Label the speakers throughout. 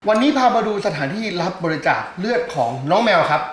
Speaker 1: วันนี้พามาดูสถานที่รับบริจาคเลือดของน้องแมวครับ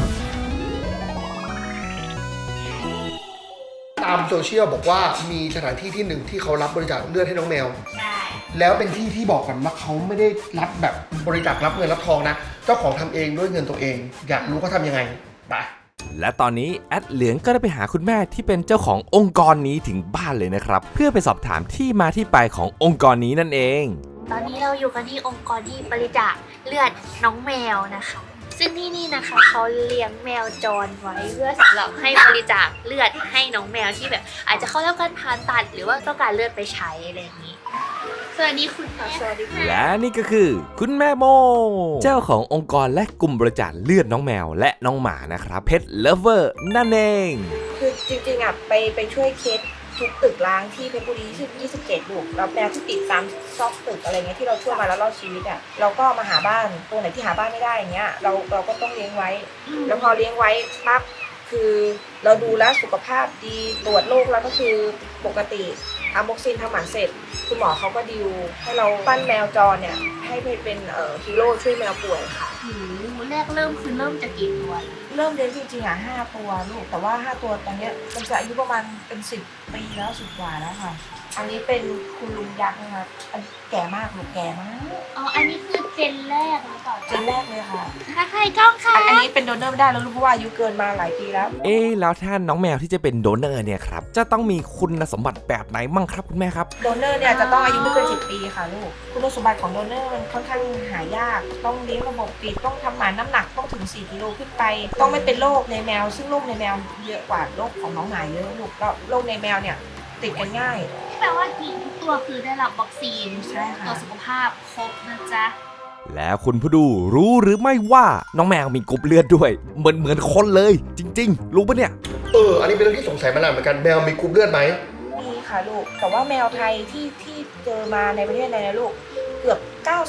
Speaker 1: ตามโซเชียลบอกว่ามีสถานที่ที่หนึ่งที่เขารับบริจาคเลือดให้น้องแมว
Speaker 2: ใช่
Speaker 1: แล้วเป็นที่ที่บอกกันว่าเขาไม่ได้รับแบบบริจาครับเงินรับทองนะเจ้าของทำเองด้วยเงินตัวเองอยากรู้เขาทำยังไงไป
Speaker 3: และตอนนี้แอดเหลืองก็ได้ไปหาคุณแม่ที่เป็นเจ้าขององค์กรนี้ถึงบ้านเลยนะครับเพื่อไปสอบถามที่มาที่ไปขององค์กรนี้นั่นเอง
Speaker 2: ตอนนี้เราอยู่กันที่องค์กรที่บริจาคเลือดน้องแมวนะคะซึ่งที่นี่นะคะเขาเลี้ยงแมวจรไว้เพื่อสำหรับให้บริจาคเลือดให้น้องแมวที่แบบอาจจะเข้ารับการผ่าตัดหรือว่าต้องการเลือดไปใช้อะไรอย่างนี้สวัสดีคุณค่ะสวัสดีค่ะ
Speaker 3: และนี่ก็คือคุณแม่โมเจ้าขององค์กรและกลุ่มบริจาคเลือดน้องแมวและน้องหมานะครับเพ t เลิฟเวอร์นั่นเอง
Speaker 4: คือจริงๆไปช่วยเคสทุกตึกร้างที่เพชรบุรี27ลูกแล้วแมวที่ติดตามซอกตึกอะไรเงี้ยที่เราช่วยมาแล้วรอดชีวิตเราก็มาหาบ้านตัวไหนที่หาบ้านไม่ได้อย่างเงี้ยเราก็ต้องเลี้ยงไว้แล้วพอเลี้ยงไว้ปั๊บคือเราดูแลสุขภาพดีตรวจโรคแล้วก็คือปกติอะม็อกซินทำหมันเสร็จคุณหมอเขาก็ดิวให้เราปั้นแมวจรเนี่ยให้เป็นฮีโร่ช่วยแมวป่วยค่ะ
Speaker 2: แรกเริ่มจะกี่ตัว
Speaker 4: เริ่มเลี้ยงจริงๆ5 ตัวลูกแต่ว่า5 ตัวตอนนี้มันจะอายุประมาณเป็น10 ปีแล้ว10 กว่าแล้วค่ะอันนี้เป็นคุณลุงยักษ์นะคะอันแก่มากลูกแก่มาก
Speaker 2: อ๋ออันนี้คือเจนแรกหรือเปล่า
Speaker 4: เจนแรกเลยค่ะ
Speaker 2: ใครกล้องค่ะ
Speaker 4: อันนี้เป็นโดเนอร์ไม่ได้แล้วลูกเพราะว่าอายุเกินมาหลายปีแล้ว
Speaker 3: แล้วถ้าน้องแมวที่จะเป็นโดเนอร์เนี่ยครับจะต้องมีคุณสมบัติแบบไหนมั่งครับคุณแม่ครับ
Speaker 4: โดเนอร์เนี่ยจะต้องอายุไม่เกิน10 ปีค่ะลูกคุณสมบัติของโดเนอร์มันค่อนข้างหายากต้องเลี้ยงระบบปิดต้องทำหมันน้ำหนักต้องถึง4 กิโลขึ้นไปต้องไม่เป็นโรคในแมวซึ่งโรคในแมวเยอะกว่าโรคของน้องหมาเยอะลูกก็โรคในแมวเนี่ยติดกันง่าย
Speaker 2: แปลว่าทีมทุกตัวคือได้รับวัคซีน
Speaker 4: ใช่ค่ะ
Speaker 2: ตัวสุขภาพครบนะจ๊ะ
Speaker 3: แล้วคุณผู้ดูรู้หรือไม่ว่าน้องแมวมีกรุ๊ปเลือดด้วยเหมือนคนเลยจริงๆรู้ปะเนี่ย
Speaker 1: อันนี้เป็นเรื่องที่สงสัยมานานเหมือนกันแมวมีกรุ๊ปเลือดไหม
Speaker 4: มีค่ะลูกแต่ว่าแมวไทยที่เจอมาในประเทศไทยนะลูกเกือบ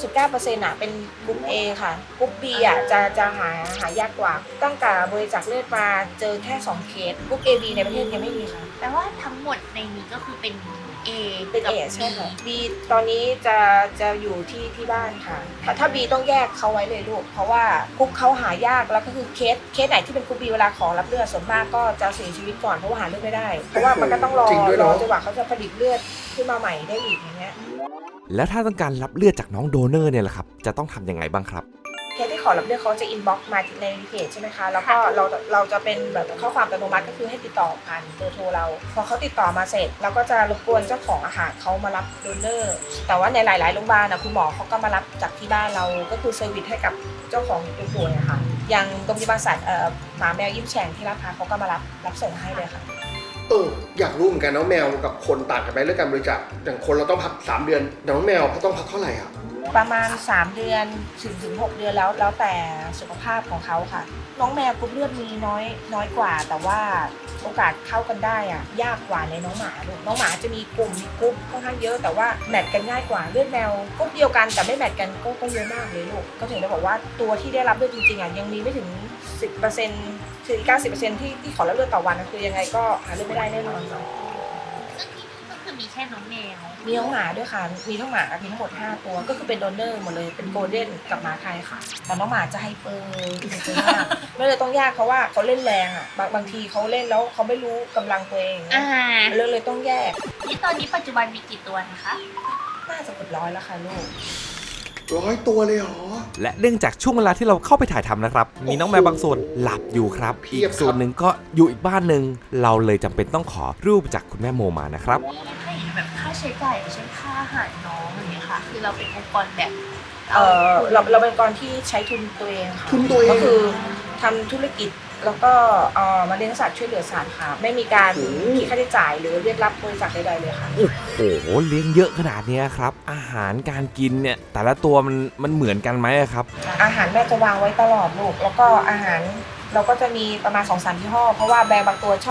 Speaker 4: 99% เป็นกรุ๊ป A ค่ะกรุ๊ป B จะหายากกว่าตั้งแต่บริจาคเลือดมาเจอแค่2 เคสกรุ๊ป AB ในประเทศยังไม่มีค่ะ
Speaker 2: แต่ว่าทั้งหมดในนี้ก็คือเป็น A
Speaker 4: เป็น A ใช่ค่ะ B ตอนนี้จะอยู่ที่บ้านค่ะถ้า B ต้องแยกเขาไว้เลยลูกเพราะว่ากรุ๊ปเขาหายากแล้วก็คือเคสไหนที่เป็นกรุ๊ป B เวลาขอรับเลือดส่วนมากก็จะเสียชีวิตก่อนเพราะว่าหาเลือดไม่ได้เพราะว่ามันก็ต้องรอจนกว่าเขาจะผลิตเลือดขึ้นมาใหม่ได้อีกอย่างเงี้ย
Speaker 3: แล้วถ้าต้องการรับเลือดจากน้องโดเนอร์เนี่ยแหละครับจะต้องทำยังไงบ้างครับ
Speaker 4: เคสที่ขอรับเลือดเขาจะอินบ็อกซ์มาในเพจใช่ไหมคะแล้วก็เราจะเป็นแบบข้อความอัตโนมัติก็คือให้ติดต่อผ่านเบอร์โทรเราพอเขาติดต่อมาเสร็จเราก็จะรบกวนเจ้าของอาหารเขามารับโดเนอร์แต่ว่าในหลายๆโรงพยาบาลคุณหมอเขาก็มารับจากที่บ้านเราก็คือเซอร์วิสให้กับเจ้าของตัวป่วยค่ะอย่างโรงพยาบาลสัตว์หมาแมวยิ้มแฉ่งที่ลาดพร้าวเขาก็มารับส่งให้เลยค่ะ
Speaker 1: อยากรู้เหมือนกันน้องแมวกับคนต่างกันไหมเรื่องการบริจาคอย่างคนเราต้องพัก3 เดือนน้องแมวเขาต้องพักเท่าไหร่อ่ะ
Speaker 4: ประมาณ3 เดือนถึง 6 เดือนแล้วแต่สุขภาพของเขาค่ะน้องแมวกรุ๊ปเลือดมีน้อยกว่าแต่ว่าโอกาสเข้ากันได้ยากกว่าในน้องหมาลูกน้องหมาจะมีกรุ๊ปค่อนข้างเยอะแต่ว่าแมทกันง่ายกว่าเลือดแมวกรุ๊ปเดียวกันแต่ไม่แมทกันก็เยอะมากเลยลูกก็ถึงได้บอกว่าตัวที่ได้รับเลือดจริงๆยังมีไม่ถึง 10%ถึง 90% ที่ขอรับเลือดต่อวันคือยังไงก็หาเลือดไม่ได้แน่นอน
Speaker 2: ซึ่งที่นี่ก็คือมีแค่น้องแมว
Speaker 4: มีน้องหมาด้วยค่ะมีทั้งหมามีทั้งหมด5 ตัวก็คือเป็นโดเนอร์หมดเลยเป็นโกลเด้นกับหมาไทยค่ะแต่น้องหมาจะไฮเปอร์มากไม่เลยต้องยากเพราะว่าเขาเล่นแรงบางทีเขาเล่นแล้วเขาไม่รู้กำลังตัวเองเลยต้องแยก
Speaker 2: นี่ตอนนี้ปัจจุบันมีกี่ตัวนะคะ
Speaker 4: น่าจะเกือบ100แล้วค่ะลูก
Speaker 1: 100 ตัวเลยเหรอ
Speaker 3: และเนื่องจากช่วงเวลาที่เราเข้าไปถ่ายทำนะครับมีน้องแมวบางส่วนหลับอยู่ครับอีกส่วนหนึ่งก็อยู่อีกบ้านหนึ่งเราเลยจำเป็นต้องขอรูปจากคุณแม่โมมานะครับ
Speaker 2: ให้แบบค่าใช้จ่ายเช่นค่าอาหารน้องอย่างเงี้ยค่ะคือเราเป็นองค์กรแบบ
Speaker 4: เราเป็นองค์กรที่ใช้ทุนตัวเองค่ะ
Speaker 1: ทุนตัวเอง
Speaker 4: ก็คือทำธุรกิจแล้วก็มาเลี้ยงสัตว์ช่วยเหลือสัตว์ค่ะไม่มีการคิดค่าใช้จ่ายหรือเรียกรับบริจาคใดๆเลยค่ะ
Speaker 3: โอ้โหเลี้ยงเยอะขนาดนี้ครับอาหารการกินเนี่ยแต่ละตัวมันเหมือนกันไหมครับ
Speaker 4: อาหารแม่จะวางไว้ตลอดลูกแล้วก็อาหารเราก็จะมีประมาณ 2-3 ยี่ห้อเพราะว่าแบรนด์บางตัวชอบ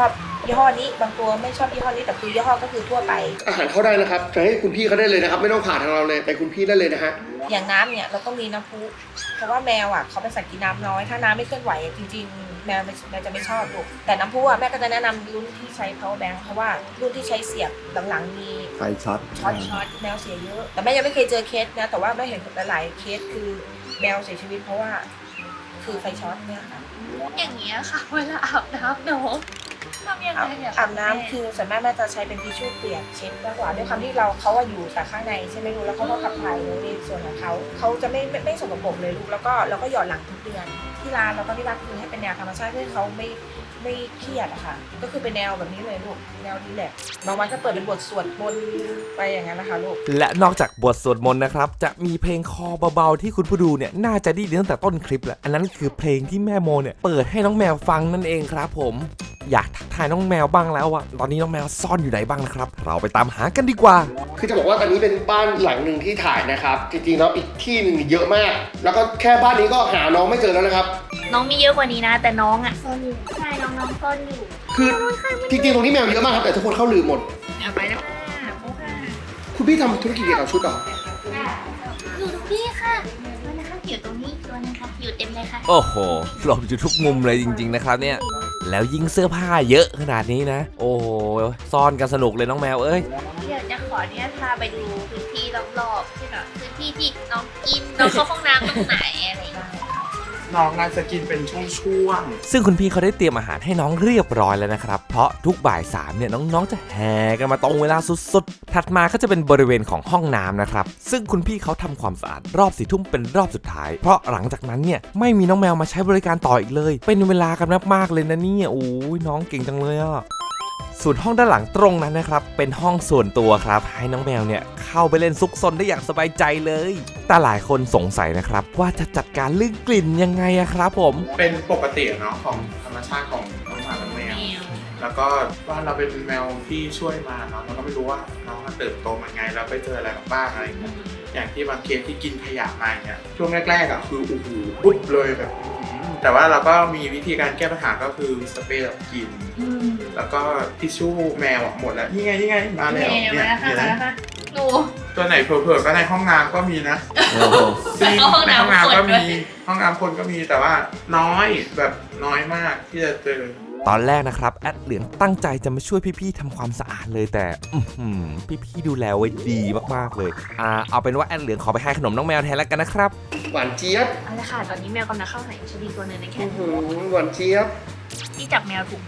Speaker 4: ยี่ห้อนี้บางตัวไม่ชอบยี่ห้อนี้แต่คือยี่ห้อก็คือทั่วไป
Speaker 1: อาหารเข้าได้นะครับจะให้คุณพี่เขาได้เลยนะครับไม่ต้องผ่านทางเราเลยไปคุณพี่ได้เลยนะฮะ
Speaker 4: อย่างน้ำเนี่ยเราต้องมีน้ำพุเพราะว่าแมวอ่ะเขาเป็นสัตว์กินน้ำน้อยถ้าน้ำไม่เคลื่อนไหวจริงๆแมวจะไม่ชอบลูกแต่น้ำพุอ่ะแม่ก็จะแนะนำรุ่นที่ใช้ power bank เพราะว่ารุ่นที่ใช้เสียบหลังๆมี
Speaker 5: ไฟช็อต
Speaker 4: ช็อตแมวเสียเยอะแต่แม่ยังไม่เคยเจอเคสนะแต่ว่าแม่เห็นหลายๆเคสคือแมวเสียชีวิตเพราะว่าคือไฟช็อตเนี่ยค่ะ
Speaker 2: อย่างเงี้ยค่ะเวลาอาบน้ำน้องทำยังไงอะ
Speaker 4: อาบน้ำคือส่วนมากแม่จะใช้เป็นทิชชู่เปียกเช็ดมากกว่าด้วยความที่เขาอะอยู่แต่ข้างในใช่ไหมลูกแล้วเขาก็ขับถ่ายในส่วนของเขาจะไม่สกปรกเลยลูกแล้วก็เราก็หยอดหลังทุกเดือนที่ร้านเราก็ที่รักคือให้เป็นแนวธรรมชาติเพื่อให้เขาไม่เครียดอะค่ะก็คือเป็นแนวแบบนี้เลยลูกแนวรีแลกซ์บางวันก็เปิดเป็นบทสวดมนต์ไปอย่างนั้นนะคะลูก
Speaker 3: และนอกจากบทสวดมนต์นะครับจะมีเพลงคอเบาๆที่คุณผู้ดูเนี่ยน่าจะได้ยินตั้งแต่ต้นคลิปแหละอันนั้นคือเพลงที่แม่โมเนี่ยเปิดให้น้องแมวฟังนั่นเองครับผมอยากทักทายน้องแมวบ้างแล้วอะตอนนี้น้องแมวซ่อนอยู่ไหนบ้างนะครับเราไปตามหากันดีกว่า
Speaker 1: คือจะบอกว่าตอนนี้เป็นบ้านหลังหนึ่งที่ถ่ายนะครับจริงๆแล้วอีกที่หนึ่งเยอะมาก แล้วก็แค่บ้านนี้ก็หาน้องไม่เจอแล้วนะครับ
Speaker 2: น้องมีเยอะกว่านี้นะ แต่น้องอ่ะซ่อนอยู่ใช่น้องซ่อนอยู่
Speaker 1: คือจริงๆตรงนี้แมวเยอะมากครับแต่ทุกคนเข้าลืมหมด
Speaker 2: เอาไปแล้วค่ะโอ้ค่ะ
Speaker 1: คุณพี่ทำธุรกิจเกี่ยวกับชุดเหรอ
Speaker 2: อยู่ตรงนี้ค่ะตัวนะคะอยู่ตรงนี้ตัวนะคะอยู่เต็มเลยค่ะ
Speaker 3: โอ้โหหลบอยู่ทุกมุมเลยจริงๆนะครับเนี่ยแล้วยิ่งเสื้อผ้าเยอะขนาดนี้นะโอ้โหซ่อนกันสนุกเลยน้องแมวเอ้ย
Speaker 2: เดี๋ยวจะขอเนี่ยพาไปดูพื้นที่รอบๆที่แบบพื้นที่ที่น้องกินน้องเข้าห้องน้ำตรงไหนอะไรอย่างเงี้ย
Speaker 5: น้องน่าจะกินเป็นช่วง
Speaker 3: ซึ่งคุณพี่เขาได้เตรียมอาหารให้น้องเรียบร้อยแล้วนะครับเพราะทุกบ่าย3เนี่ยน้องๆจะแห่กันมาตรงเวลาสุดๆถัดมาก็จะเป็นบริเวณของห้องน้ำนะครับซึ่งคุณพี่เขาทำความสะอาดรอบ4 ทุ่มเป็นรอบสุดท้ายเพราะหลังจากนั้นเนี่ยไม่มีน้องแมวมาใช้บริการต่ออีกเลยเป็นเวลากันมากๆเลยนะเนี่ยโอ้ยน้องเก่งจังเลยอ่ะส่วนห้องด้านหลังตรงนั้นนะครับเป็นห้องส่วนตัวครับให้น้องแมวเนี่ยเข้าไปเล่นซุกซนได้อย่างสบายใจเลยแต่หลายคนสงสัยนะครับว่าจะจัดการเรื่องกลิ่นยังไงอะครับผม
Speaker 5: ๆเป็นปกติเนาะของธรรมชาติของน้องหมาและแมว แล้วก็ว่าเราเป็นแมวที่ช่วยมาเนาะเราก็ไม่รู้ว่าน้องเติบโตมาไงแล้วไปเจออะไรมาบ้างอะไรอย่างเงี้ยอย่างที่บางเคสที่กินขยะมาอย่างเงี้ยช่วงแรกๆอ่ะคือโอ้โหปุ๊บเลยแบบแต่ว่าเราก็มีวิธีการแก้ปัญหาก็คือสเปรย์ดับกลิ่นแล้วก็ทิชชู่แมวหมดแล้วนี่ไงมาแล้วเนี่ยเห็นไหม
Speaker 2: หนู
Speaker 5: ตัวไหนเผลอๆก็ในห้องน้ำก็มีนะจริง
Speaker 2: ห้อง
Speaker 5: ในห้อง
Speaker 2: น้ำ
Speaker 5: น้ำก็
Speaker 2: คนด้
Speaker 5: มี
Speaker 2: วย
Speaker 5: ห้องน้ำคนก็มีแต่ว่าน้อยแบบน้อยมากที่จะเจอ
Speaker 3: ตอนแรกนะครับแอดเหลืองตั้งใจจะมาช่วยพี่ๆทำความสะอาดเลยแต่พี่ๆดูแลไว้ดีมากๆเลยเอาเป็นว่าแอดเหลืองขอไปให้ขนมน้องแมวแทนแล้วกันนะครับ
Speaker 1: หวานเจี๊ยบ
Speaker 2: เอาละค่ะตอนนี้แมวกำลังเข้าหาชดีตัวหนึ่งในแค่
Speaker 1: หวานเจี๊ยบ
Speaker 2: ที่จับแมวถูกไหม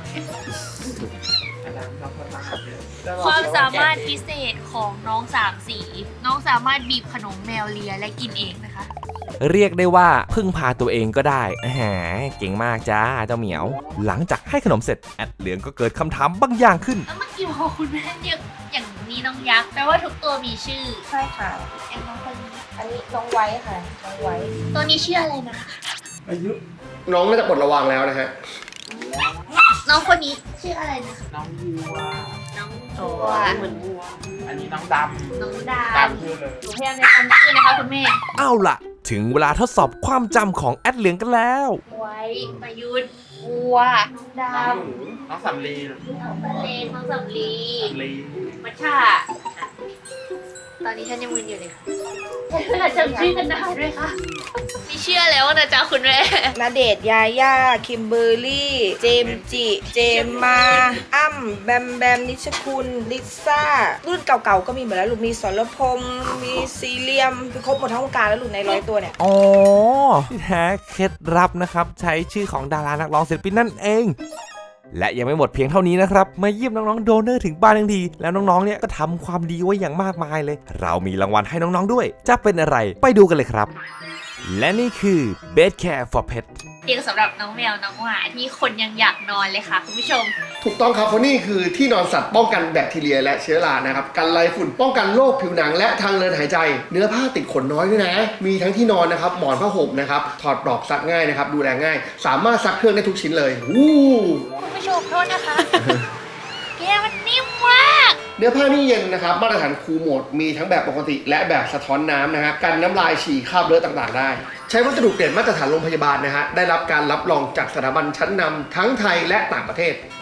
Speaker 2: ความสามารถพิเศษของน้อง3 สีน้องสามารถบีบขนมแมวเลียและกินเองนะคะ
Speaker 3: เรียกได้ว่าพึ่งพาตัวเองก็ได้เก่งมากจ้าเจ้าเหมียว หลังจากให้ขนมเสร็จแอดเหลืองก็เกิดคำถามบางอย่างขึ้น
Speaker 2: แล้วเมื่อกี้พอคุณแม่เรียกอย่างนี้น้องยักษ์แปลว่าทุกตัวมีชื่อ
Speaker 4: ใช่ค่ะ
Speaker 2: อย่างน้องคนนี้
Speaker 4: อันนี้น้องไว้ค่ะน้องไว้
Speaker 2: ตัวนี้ชื่ออะไรนะคะ
Speaker 5: อายุ
Speaker 1: น้องน่าจะปลดระวังแล้วนะฮะ
Speaker 2: น้องคนนี้ชื่ออะไรนะคะ
Speaker 5: น้องวัว
Speaker 2: น้องตัว
Speaker 5: เหมือนวัวอันนี้น้องดำ
Speaker 2: น้องด
Speaker 5: ดำคือเลย
Speaker 2: ำหนูพยายามจะจำชื่อนะคะคุณแม่
Speaker 3: เอาล่ะ ถึงเวลาทดสอบความจำของแอดเหลืองกันแล้ว
Speaker 2: ไว้ประยุทธ์วัวด
Speaker 5: น้องหนูน้องสำลี
Speaker 2: ำน้องทะเลน้องสำลี
Speaker 5: สำลี
Speaker 2: มัชชาตอนนี้ฉันยังมึนอยู่เลยค่ะเวลาจำชื่อกันได้ด้วยค่ะไม่เชื่อแล้วนะจ๊ะคุณแม่
Speaker 4: ณเดชน์ยาย่าคิมเบอร์รี่ เจมส์จิ เจมมา อ้ำแบมแบมนิชคุณลิซ่า รุ่นเก่าๆก็มีหมดแล้วลูกมีสรพงษ์มีซีเรียมคือครบหมดทั้งวงการแล้วลูกใน100 ตัวเนี่ย
Speaker 3: อ๋อที่แท้เคล็ดลับนะครับใช้ชื่อของดารานักร้องศิลปินนั่นเอง และยังไม่หมดเพียงเท่านี้นะครับมาเยี่ยมน้องๆโดเนอร์ถึงบ้านทันทีแล้วน้องๆเนี่ยก็ทำความดีไว้อย่างมากมายเลย เรามีรางวัลให้น้องๆด้วยจะเป็นอะไรไปดูกันเลยครับ และนี่คือ Bed Care for Pet
Speaker 2: เตียงสำหรับน้องแมวน้องหมาที่คนยังอยากนอนเลยค่ะคุณผู้ชม
Speaker 1: ถูกต้องครับเพราะนี่คือที่นอนสัตว์ป้องกันแบคทีเรียและเชื้อรานะครับกันไรฝุ่นป้องกันโรคผิวหนังและทางเดินหายใจ เนื้อผ้าติดขนน้อยด้วยนะ มีทั้งที่นอนนะครับหมอนผ้าห่มนะครับถอดปลอกซักง่ายนะครับดูแลง่าย สามารถซักเครื่องได้ทุกชิ้นเลยวู้
Speaker 2: คุณผู้ชมโทษนะคะ แกมันนิ่มมาก
Speaker 1: เนื้อผ้านี่เย็นนะครับมาตรฐานคูลโหมดมีทั้งแบบปกติและแบบสะท้อนน้ำนะฮะกันน้ำลายฉี่คราบเลือดต่างๆได้ ใช้วัสดุเกรดมาตรฐานโรงพยาบาลนะฮะได้รับการรับรองจากสถาบันชั้นนำทั้งไทยและต่างประเทศ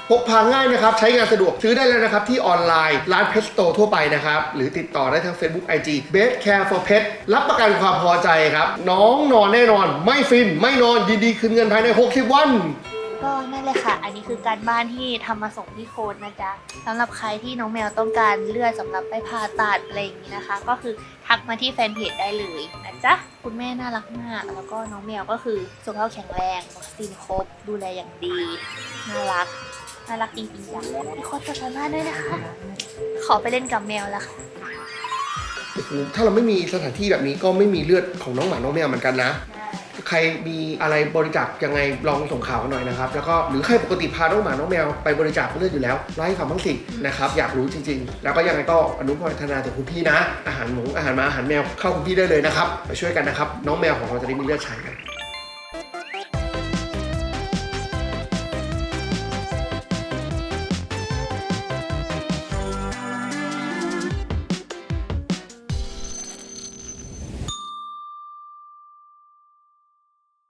Speaker 1: พกพาง่ายนะครับใช้งานสะดวกซื้อได้แล้วนะครับที่ออนไลน์ร้านเพ t สโตร์ทั่วไปนะครับหรือติดต่อได้ทาง Facebook IG Best Care for Pet รับประกันความพอใจครับน้องนอนแน่นอนไม่ฟินไม่นอนยินดีคืนเงินภายใน60 วัน
Speaker 2: ก็นั่นเลยค่ะ อันนี้คือการบ้านที่ทำมาส่งที่โค้ดนะจ๊ะสำหรับใครที่น้องแมวต้องการเลือดสำหรับไปผ่าตัดอะไรอย่างนี้นะคะ ก็คือทักมาที่แฟนเพจได้เลยนะจ๊ะคุณแม่น่ารักมากแล้วก็น้องแมวก็คือสุขภาพแข็งแรงวัคซีนครบดูแลอย่างดีน่ารักจริงๆจ้ะพี่โค้ดสามารถด้วยนะคะ ขอไปเล่นกับแมวแล้วค่ะ
Speaker 1: ถ้าเราไม่มีสถานที่แบบนี้ก็ไม่มีเลือดของน้องหมาน้องแมวเหมือนกันนะใครมีอะไรบริจาคยังไงลองส่งข่าวกันหน่อยนะครับแล้วก็หรือใครปกติพาน้องหมาน้องแมวไปบริจาคเลือดอยู่แล้วไล่ความบ้างสินะครับอยากรู้จริงๆแล้วก็ยังไงก็อนุโมทนาถึงคุณพี่นะอาหารหมูอาหารหมาอาหารแมวเข้าคุณพี่ได้เลยนะครับไปช่วยกันนะครับน้องแมวของเราจะได้มีเลือดใช้กัน